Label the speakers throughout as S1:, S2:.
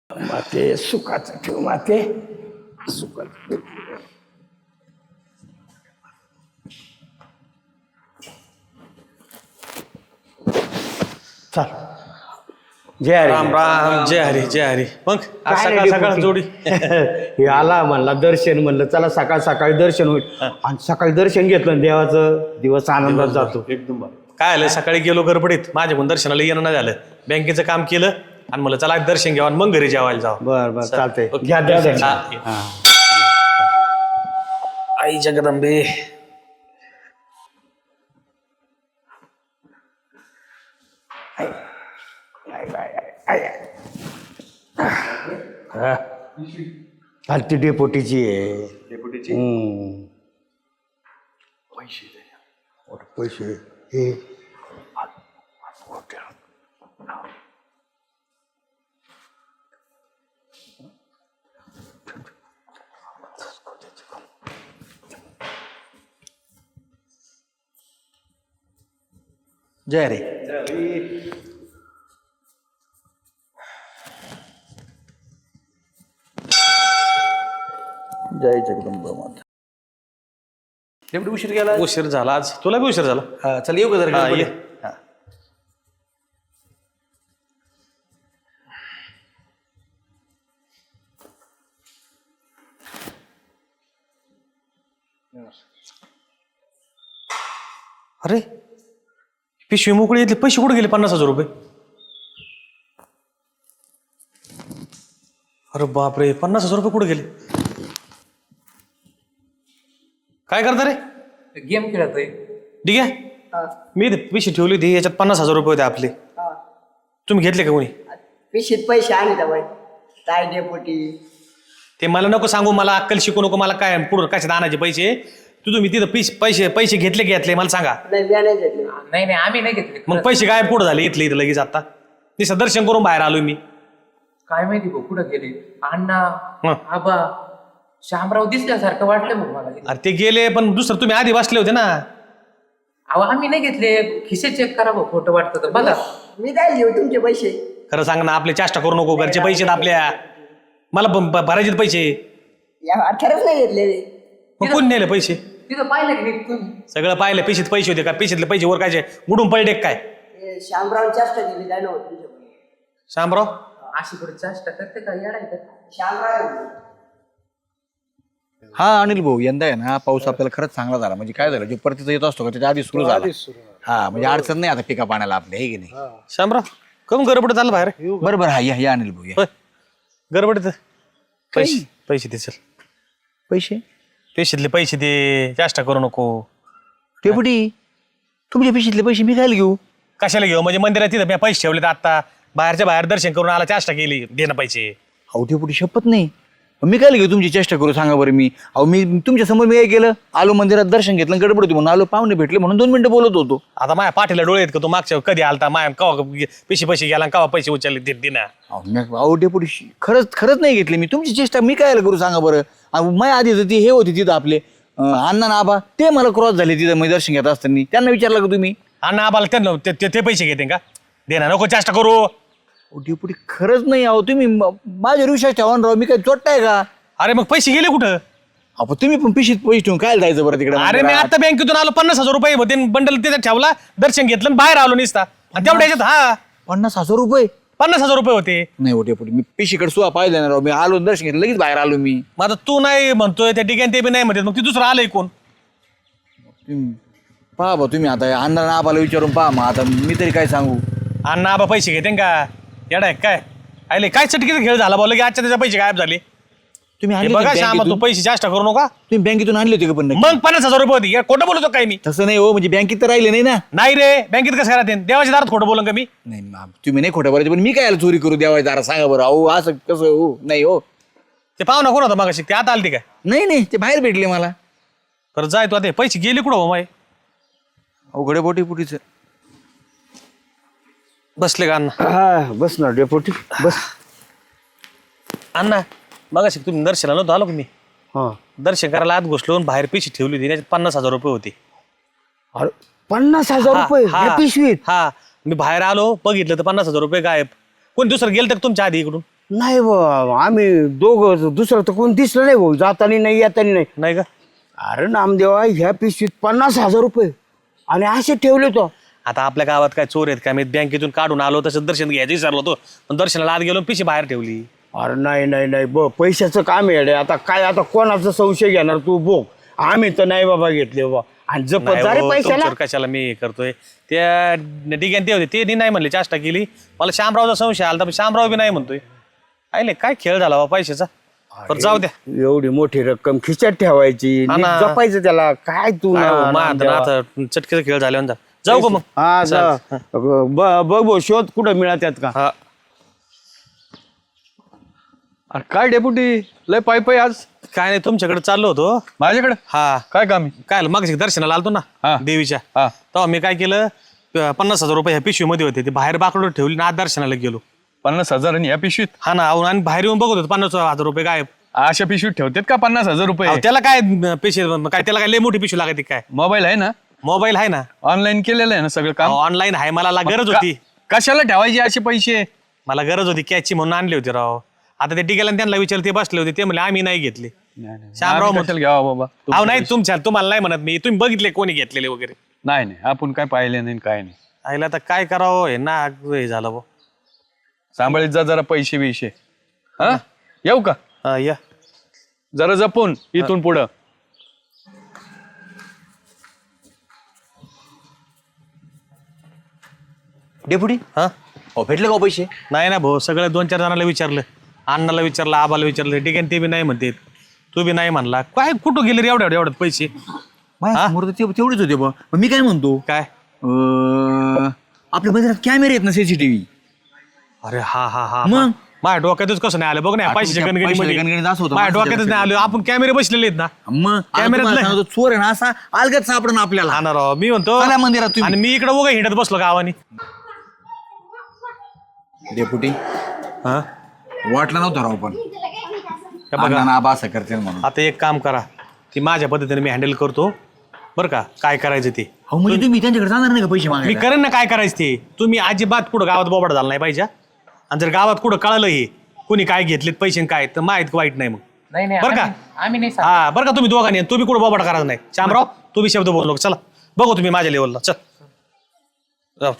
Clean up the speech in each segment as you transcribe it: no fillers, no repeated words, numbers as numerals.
S1: माते सुखाचं ठेव माते सुखाचं चल जय हरी
S2: राम राम जय हरी जय हरी. मग आज
S1: काय
S2: सकाळ
S1: नाही
S2: सकाळ
S1: डेपुटी.
S2: जोडी
S1: हे आला म्हणला दर्शन म्हणलं चला सकाळ सकाळी दर्शन होईल आणि सकाळी दर्शन घेतलं आणि देवाचं दिवस आनंदात जातो
S2: एकदम काय आलं सकाळी गेलो गडबडीत माझ्याकडून दर्शनाला येणं नाही झालं. बँकेचं काम केलं आणि मला चला दर्शन घ्यावं आणि मग घरी जेवायला जावं.
S1: बर बर चालतंय
S2: ओके.
S1: घ्या दर्शन
S2: हा.
S1: हा.
S2: आई जगदंबे
S1: आणि ती डेपोटीची आहे पैसे हे
S2: जय रे.
S1: जय जगदंबा माता.
S3: एवढी उशीर गेला
S2: उशीर झाला आज तुला बी उशीर झाला.
S3: चल येऊ का जरा
S2: हा,
S3: गडबड
S2: ये.
S3: आहे. हा.
S2: अरे पिशवी मोकळी येतली पैसे कुठे गेले 50,000 रुपये. अरे बापरे 50,000 रुपये कुठे गेले. काय करता रे.
S3: गेम खेळतोय
S2: ठीक आहे मी इथे पिशवी ठेवली होती याच्यात 50,000 रुपये होते आपले. तुम्ही घेतले का कोणी.
S4: पिशीत पैसे आले तर बाई काय डेपोटी
S2: ते मला नको सांगू मला अक्कल शिकू नको मला काय पुढं कशात आणायचे पैसे. तुम्ही तिथं पैसे घेतले मला सांगा.
S4: नाही मी नाही घेतले
S3: नाही नाही आम्ही नाही घेतले
S2: मग पैसे काय पुढे झाले इथले इथं लगेच आता नुसतं दर्शन करून बाहेर आलोय मी.
S3: काय माहिती भाऊ कुठं गेले अण्णा
S2: हं.
S3: आबा शामराव दिसल्यासारखं वाटलं भाऊ मला.
S2: अरे ते गेले पण दुसरं तुम्ही आधी बसले होते ना.
S3: अहो आम्ही नाही घेतले खिसे चेक करा भाऊ खोटं वाटतं तर बघा.
S4: मी काय घेऊ तुमचे पैसे
S2: खरं सांग ना आपले चेष्टा करू नको घरचे पैसे आहेत आपल्या मला भरायचे पैसे.
S4: या अठराच नाही घेतले
S2: मग कोण नेले पैसे.
S3: तिथं पाहिलं की नाही तुम्ही.
S2: सगळं पाहिलं पिशीत पैसे होते का पिशीतले पैसे वर काय उडून पडले काय.
S4: हे शामराव जास्त दिली काय नव्हतं तुमच्या
S2: शामराव
S3: अशी पुढे चेष्टा करते का येडायचं.
S4: शामराव
S5: हा अनिल भाऊ यंदा आहे ना पाऊस आपल्याला खरंच चांगला झाला. म्हणजे काय झालं जो परतीचा येत असतो का त्याच्या आधी सुरू झाला. हा म्हणजे अडचण नाही आता पिका पाण्याला आपल्या हे की नाही.
S2: शामराव कम गडबड चाललं बाहेर.
S5: बरोबर हा या अनिल भाऊ या.
S2: होय गडबडीत पैसे दे चल.
S5: पैसे
S2: पिशीतले पैसे दे चेष्टा करू नको.
S5: डेपुटी तुमच्या पिशीतले पैसे मी काय घेऊ.
S2: कशाला घेऊ म्हणजे मंदिरात तिथं मी पैसे ठेवले आता बाहेरच्या बाहेर दर्शन करून आला चेष्टा केली देणं पैसे.
S5: अहो डेपुटी शपथ नाही मी काय घेऊ तुमची चेष्टा करू सांगा बरं. मी अहो मी तुमच्या समोर मी काय केलं आलो मंदिरात दर्शन घेतलं गडबड होती म्हणून आलो पाहुणे भेटले म्हणून 2 मिनिटं बोलत होतो.
S2: आता माझ्या पाठीला डोळे आहेत का तू मागच्या कधी आलता माया कवा पैसे गेला कवा पैसे उचलले ते दिना.
S5: अहो डेपुटी खरंच नाही घेतले मी तुमची चेष्टा मी काय करू सांगा बरं. माझ्या आधी ती हे होती तिथं आपले अण्णा ना आबा ते मला क्रॉस झाले तिथं मी दर्शन घेत असताना त्यांना विचारलं का तुम्ही.
S2: अण्णा आबाला त्यांना ते पैसे घेते का देना नको चेष्टा करू.
S5: डेपुटी खरंच नाही आहो तुम्ही माझ्या विश्वास ठेवा ना राव मी काय चोट्टाय का.
S2: अरे मग पैसे गेले कुठं.
S5: अहो तुम्ही पण पिशीत पैसे ठेवून काय जायचं बरं तिकडे.
S2: अरे मी आता बँकेतून आलो 50,000 रुपये होते बंडल तिथे ठेवला दर्शन घेतलं आणि बाहेर आलो निसता आणि तेवढ्या ह्याच्यात हा
S5: 50,000 रुपये
S2: 50,000 रुपये होते.
S5: नाही हो डेपुटी मी पिशीकडे सुद्धा पाहिलं ना राव मी आलो दर्शन घेतलं लगेच बाहेर आलो मी.
S2: मग आता तू नाही म्हणतोय त्या ठिकाणी ते बी नाही म्हणते मग ती दुसरं आलंय कोण.
S5: पहा बा तुम्ही आता अण्णा आबाला विचारून पहा मग आता मी तरी काय सांगू.
S2: अण्णा आबा पैसे घेते का येडा आहे काय आले काय चटकीचा खेळ झाला बोल की आजच्या त्याच्या पैसे गायब झाले.
S5: तुम्ही
S2: हे
S5: आणले
S2: बघा
S5: होते
S2: श्यामा तू
S5: बँकेतून?
S2: पैसे चेष्टा करू नका.
S5: तुम्ही बँकेतून आणले होते का पण नक्की?
S2: मग 50,000 रुपये होते खोटं बोलतो काय मी.
S5: तसं नाही हो म्हणजे बँकेत तर राहिले नाही ना.
S2: नाही रे बँकेत कसं राहते देवाच्या दारात खोटं बोलून का मी.
S5: नाही तुम्ही नाही खोटं बोलायचं पण मी काय चोरी करू द्यावाय जरा सांगा बरं. अहो असं कसं हो नाही हो.
S2: ते पाहुणा कोण होता मग ते आता आलते काय.
S5: नाही ते बाहेर भेटले मला.
S2: बरं जाय तू आता पैसे गेले कुठं हो माय.
S5: अवघडे बोटीचं
S2: बसले का अण्णा.
S1: हा बस ना डेपोटी बस.
S2: अण्णा बघा तुम्ही दर्शनाला नव्हतं आलो का मी.
S1: हा
S2: दर्शन करायला आत घुसलो आणि बाहेर पैसे ठेवली होती त्याच्यात 50,000 रुपये होते.
S1: अरे 50,000 रुपये
S2: हा,
S1: या पिशवीत.
S2: हा मी बाहेर आलो बघितलं तर 50,000 रुपये गायब. कोण दुसरं गेलं तर तुमच्या आधी इकडून
S1: नाही बा आम्ही दोघं दुसरं तर कोण दिसलं नाही भाऊ जाताना नाही येताना नाही.
S2: नाही का?
S1: अरे नामदेवा ह्या पिशवीत 50,000 रुपये आणि असे ठेवले तो.
S2: आता आपल्या गावात काय चोर आहेत का? मी बँकेतून काढून आलो तसं दर्शन घ्यायचं विचारलो होतो, पण दर्शनाला आत गेलो पिशी बाहेर ठेवली.
S1: अरे नाही नाही नाही पैशाचं काम आहे रे. आता काय आता कोणाचा संशय घेणार तू बोग. आम्ही तर नाही बाबा घेतले बाबा आणि जपत
S2: नाही
S1: जा रे
S2: हो,
S1: पैशाला.
S2: तुमच्यावर कशाला मी हे करतोय. त्या डिग्यान ते होते ते नाही म्हणले चाष्टा केली. मला शामरावचा संशय आला तर शामराव बी नाही म्हणतोय. आले काय खेळ झाला बा पैशाचा. पण जाऊ द्या.
S1: एवढी मोठी रक्कम खिशात ठेवायची
S2: हा
S1: नीट
S2: ना.
S1: जपायचं त्याला काय तू
S2: काय हो,
S1: ना-
S2: मग आता चटकेचा खेळ झाल्यावर जा. जाऊ का मग?
S1: हा जा. बघ भाऊ शोध कुठं मिळतात का.
S2: हा.
S6: अरे काय डेपुटी लय पायी आज
S2: काय नाही तुमच्याकडे चाललो होतो.
S6: माझ्याकडे
S2: हा
S6: काय काम आहे?
S2: काय मग दर्शनाला आलतो
S6: हा.
S2: ना देवीच्या,
S6: हा.
S2: तेव्हा मी काय केलं 50,000 रुपये ह्या पिशवीमध्ये होते ते बाहेर बाकडं ठेवली ना आत दर्शनाला गेलो.
S6: 50,000 आणि या पिशवीत
S2: हा ना अहो, आणि बाहेर येऊन बघत होतो 50,000 रुपये काय.
S6: अशा पिशवीत ठेवतात का 50,000 रुपये?
S2: अहो, त्याला काय पिशवी काय त्याला काय लय मोठी पिशवी लागते काय.
S6: मोबाईल आहे ना,
S2: मोबाईल आहे ना,
S6: ऑनलाईन केलेलं आहे ना सगळं काम.
S2: ऑनलाईन आहे. मला गरज होती.
S6: कशाला ठेवायचे असे पैसे?
S2: मला गरज होती कॅचची म्हणून आणली होती राव. आता ते टिकेला त्यांना विचारले ते बसले होते ते म्हणले आम्ही नाही घेतले. शामराव
S6: आम्ही कशाला घ्यावा बाबा?
S2: अहो नाही तुम्हाला नाही म्हणत मी. तुम्ही बघितले कोणी घेतलेले वगैरे.
S6: नाही नाही आपण काय पाहिले नाही काय नाही.
S2: आईला आता काय करावं हे ना हे झालं भाऊ.
S6: सांभाळीत जा जरा पैसे बिशे. हा येऊ का?
S2: हा या.
S6: जरा जपून इथून पुढं.
S5: डेपुटी
S2: हा
S5: भेटले का हो पैसे?
S2: नाही ना भाऊ सगळं 2-4 जणांना विचारलं. अण्णाला विचारलं, आबाला विचारलं, ठीक आहे ते बी नाही म्हणते. तू बी नाही म्हणला. काय कुठं गेले रे एवढ्यात पैसे?
S5: माझ्यासमोर तर तेवढेच होते बा. मग मी काय म्हणतो
S2: काय?
S5: आपल्या मंदिरात कॅमेरे आहेत ना सीसीटीव्ही.
S2: अरे हा हा हा
S5: मग?
S2: माझ्या डोक्यातच कसं नाही आलं बघ ना पैशाच्या
S5: पैशाच्या गणगणीत
S2: गणगणीमध्ये.
S5: असं होतं.
S2: माझ्या डोक्यातच नाही आलं. आपण कॅमेरे बसलेले आहेत ना.
S5: मग
S2: कॅमेऱ्यात
S5: कॅमेरा
S2: नाही.
S5: चोर आहे ना असा अलगद सापडण आपल्याला.
S2: हा ना राव मी म्हणतो.
S5: चला मंदिरात तुम्ही.
S2: आणि मी इकडे उगा हिंडत बसलो गावानी.
S5: डेपुटी
S2: हा
S5: वाटलं नव्हतं राव पण
S2: हे बघा
S5: अण्णा आबा असं करते म्हणून.
S2: आता एक काम करा. ती माझ्या पद्धतीने मी हँडल करतो बरं का. काय करायचं ते
S5: हो म्हणजे तुम्ही त्यांच्याकडे जाणार नाही का पैसे
S2: मी
S5: मागायला?
S2: करेन ना. काय करायचं ते तुम्ही अजिबात कुठं गावात बोबाड झाला नाही पाहिजे. आणि जर गावात कुठं कळलं हे कुणी काय घेतलेत पैसे आणि काय तर माहित वाईट नाही मग.
S3: नाही नाही
S2: बरं का?
S3: आम्ही नाही सांगत.
S2: हा बरं का तुम्ही दोघांनी तुम्ही कुठं बोबाड करायचं नाही. शामराव तुम्ही शब्द बोललो चला बघू तुम्ही माझ्या लेवलला. चल जाऊ.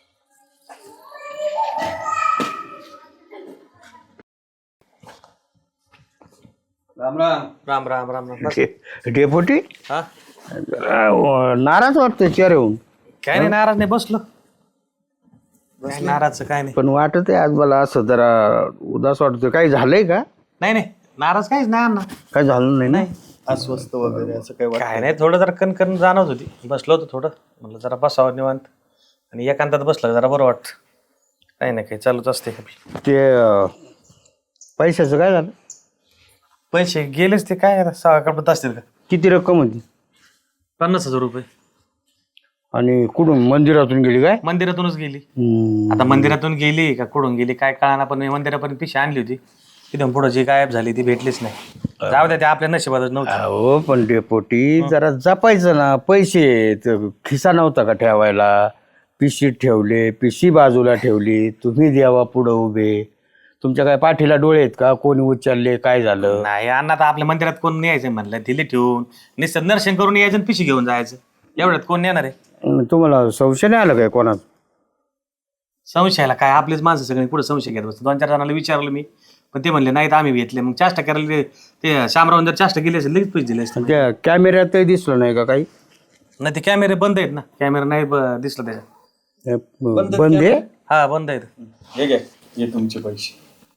S6: राम राम.
S2: राम राम राम राम.
S1: डेपुटी
S2: हा
S1: नाराज वाटतं चेहरे होऊन.
S2: काय नाही नाराज नाही बसलो. काय नाराजचं काय नाही.
S1: पण वाटत आहे आज मला असं जरा उदास वाटतोय. काही झालंय का.
S2: नाही नाही नाराज काहीच नाही अण्णा.
S1: काय झालं नाही ना.
S6: अस्वस्थ वगैरे असं काही
S2: काय नाही थोडं जरा कणकण जाणवत होती. बसलो होतो थोडं म्हणलं जरा बसावं निवांत आणि एकांतात बसलं जरा बरं वाटतं. काही नाही काही चालूच असते.
S1: ते पैशाचं काय झालं.
S2: पैसे गेलेच ते काय आता 6 कपडत असतील का.
S1: किती रक्कम होती
S2: 50,000 रुपये
S1: आणि कुठून मंदिरातून गेली काय.
S2: मंदिरातूनच गेली. आता मंदिरातून गेली का कुठून गेली काय कळाना. पण मी मंदिरापर्यंत पिशी आणली होती. तिथून पुढे जी गायब झाली ती भेटलीच नाही. जाऊ द्या ते आपल्या नशिबातच नव्हतं.
S1: हो पण डेपोटी जरा जपायचं ना. पैसे खिसा नव्हता का ठेवायला. पिशीत ठेवले. पिशी बाजूला ठेवली. तुम्ही द्यावा पुढं उभे. तुमच्या काय पाठीला डोळे आहेत का. कोणी उचलले काय झालं.
S2: नाही अण्णा आता आपल्या मंदिरात कोण न्यायचं म्हणलं दिले ठेवून निश्चित दर्शन करून यायचं आणि पिशी घेऊन जायचं. एवढ्यात कोण नेणार आहे.
S1: तुम्हाला संशय नाही आला काय कोणाचा.
S2: संशयाला काय आपलेच माणसं सगळे पुढे संशय घेत बसतो. 2-4 जणांना विचारलं मी पण ते म्हणले नाहीत आम्ही घेतले. मग चाष्टा करायला ते शामराव जर चाष्टा केली असेल लगेच पैसे दिले असते.
S1: त्या कॅमेऱ्यातही दिसलं नाही का काही.
S2: नाही ते कॅमेरे बंद आहेत ना. कॅमेरा नाही दिसला त्याच्यात.
S1: बंद आहे.
S2: हा बंद आहेत.
S6: हे घ्या हे तुमचे पैसे.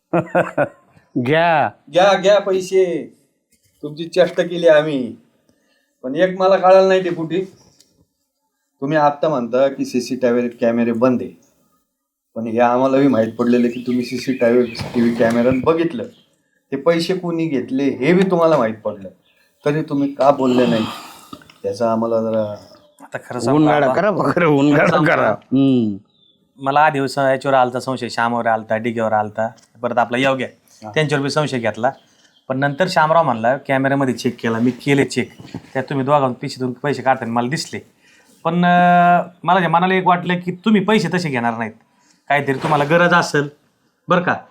S1: घ्या
S6: घ्या घ्या पैसे. तुमची चेष्टा केली आम्ही. पण एक मला कळालं नाही डेपुटी. तुम्ही आत्ता म्हणता की सीसीटीव्ही कॅमेरे बंद आहे. पण हे आम्हालाही माहीत पडलेलं की तुम्ही सीसीटीव्ही कॅमेऱ्यात बघितलं. ते पैसे कोणी घेतले हे बी तुम्हाला माहीत पडलं. तरी तुम्ही का बोलले नाही त्याचा आम्हाला जरा.
S2: आता खरं सांगू
S1: उनगाडा
S2: बाबा,
S1: करा खरं उनगाडा करा.
S2: मला आधी याच्यावर आलता संशय. श्यामावर आलता डिगेवर आलता परत आपला योग्य त्यांच्यावर बी संशय घेतला. पण नंतर श्यामराव म्हणला कॅमेऱ्यामध्ये चेक केला. मी केले चेक. त्यात तुम्ही दोघांना पिशीतून पैसे काढताना मला दिसले. पण मला मनाला एक वाटलं की तुम्ही पैसे तसे घेणार नाहीत. काहीतरी तुम्हाला गरज असेल बरं का.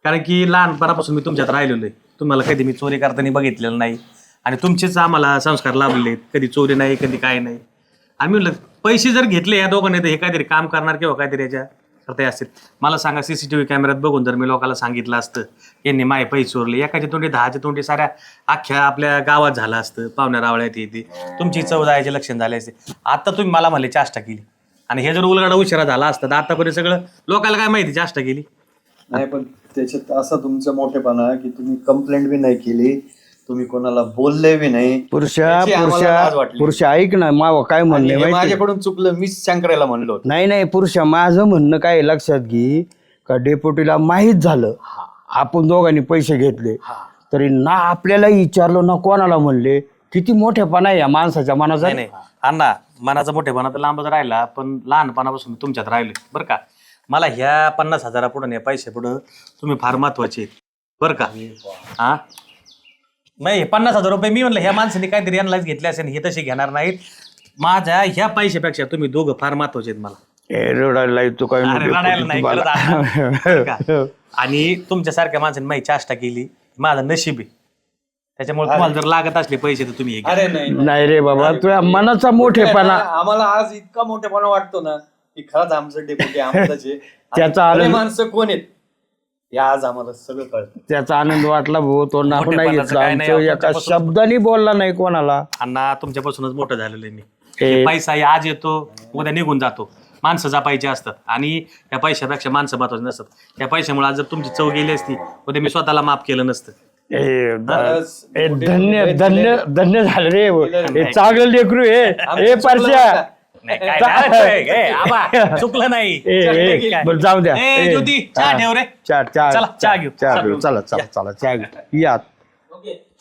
S2: कारण की लहानपणापासून मी तुमच्यात राहिलेलो आहे. तुम्हाला कधी मी चोरी करताना बघितलेलं नाही आणि तुमचेच आम्हाला संस्कार लाभलेले आहेत. कधी चोरी नाही, कधी काय नाही. आम्ही म्हणलं पैसे जर घेतले या दोघांनी तर हे काहीतरी काम करणार किंवा काहीतरी याच्या करता असतील. मला सांगा, सीसीटीव्ही कॅमेऱ्यात बघून जर मी लोकांना सांगितलं असतं यांनी माय पैसे चोरले, एकाच्या तोंडी 10च्या तोंडी साऱ्या अख्ख्या आपल्या गावात झालं असतं, पाहुण्या रावळ्यात येते, तुमची चव जायचे लक्षण झाले असते. आता तुम्ही मला म्हणले चाष्टा केली आणि हे जर उलगडा उशिरा झाला असता तर आतापर्यंत सगळं लोकांना काय माहिती चाष्टा केली.
S6: नाही, पण त्याच्यात असा तुमचा मोठेपणा की तुम्ही कंप्लेंट बी नाही केली, तुम्ही कोणाला बोलले बी नाही. याची आम्हाला लाज वाटली.
S1: पुरुषा ऐक ना, माव काय
S6: आणि
S1: म्हणणे
S6: हे
S1: माहिती?
S6: माझ्याकडून चुकलं, मीच शंकराला म्हणलो होतो.
S1: नाही पुरुषा, माझं म्हणणं काय आहे लक्षात घे का डेप्युटीला माहीत झालं आपण दोघांनी पैसे घेतले तरी ना आपल्याला विचारलं ना कोणाला म्हणले. किती मोठेपणा आहे या माणसाच्या मनाचा.
S2: नाही अण्णा, मनाचा मोठेपणा तर लांबच राहिला, पण लहानपणापासून मी तुमच्यात राहिलोय बरं का. मला ह्या 50,000 पुढं या पैसे पुढं तुम्ही फार महत्वाचे आहेत बरं का. हा नाही, 50,000 रुपये मी म्हणलं ह्या माणसाने काहीतरी अनलाइज घेतले असेल, हे तसे घेणार नाहीत. माझ्या ह्या पैशापेक्षा तुम्ही दोघं फार महत्वाचे आहेत मला.
S1: रडायला येतो काय
S2: अरे रडायला नाही, खरंच अण्णा, बरं का. आणि तुमच्यासारख्या माणसाने माझी चाष्टा केली, माझं नशीब आहे. त्याच्यामुळे तुम्हाला जर लागत असले पैसे तर तुम्ही हे घ्या.
S6: अरे नाही,
S1: नाही रे बाबा, तुझ्या मनाचा मोठेपणा.
S6: आम्हाला आज इतका मोठेपणा वाटतो ना की खरंच आमचं डेप्युटी आमचं
S1: त्याचा आनंद-
S6: माणसं कोण आहेत हे आज आम्हाला सगळं कळतं.
S1: त्याचा आनंद वाटला भाऊ, तो नाव नाही
S2: मोठेपणाचं
S1: घेतला,
S2: काय नाही,
S1: आमचं एका
S2: तुमच्यापासून-
S1: शब्दाने बोलला नाही कोणाला.
S2: अण्णा तुमच्यापासूनच मोठं झालेलं आहे मी. हे पैसा हे आज येतो उद्या निघून जातो. माणसं जपायची असतात आणि त्या पैशापेक्षा माणसं महत्वाची नसतात. त्या पैशामुळे आज जर तुमची चव गेली असती उद्या मी स्वतःला माफ केलं नसतं.
S1: धन्य धन्य धन्य झालं रे. हे चांगलं लेकरू हे परश्या.
S2: नाही, काय नाही, ए, आबा, चुकलं नाही.
S1: बरं जाऊ द्या.
S2: ए, ज्योती, चहा ठेव रे.
S1: चहा
S2: चला, चहा घेऊ.
S1: चहा घेऊ. चला चला चला चहा घेऊ या.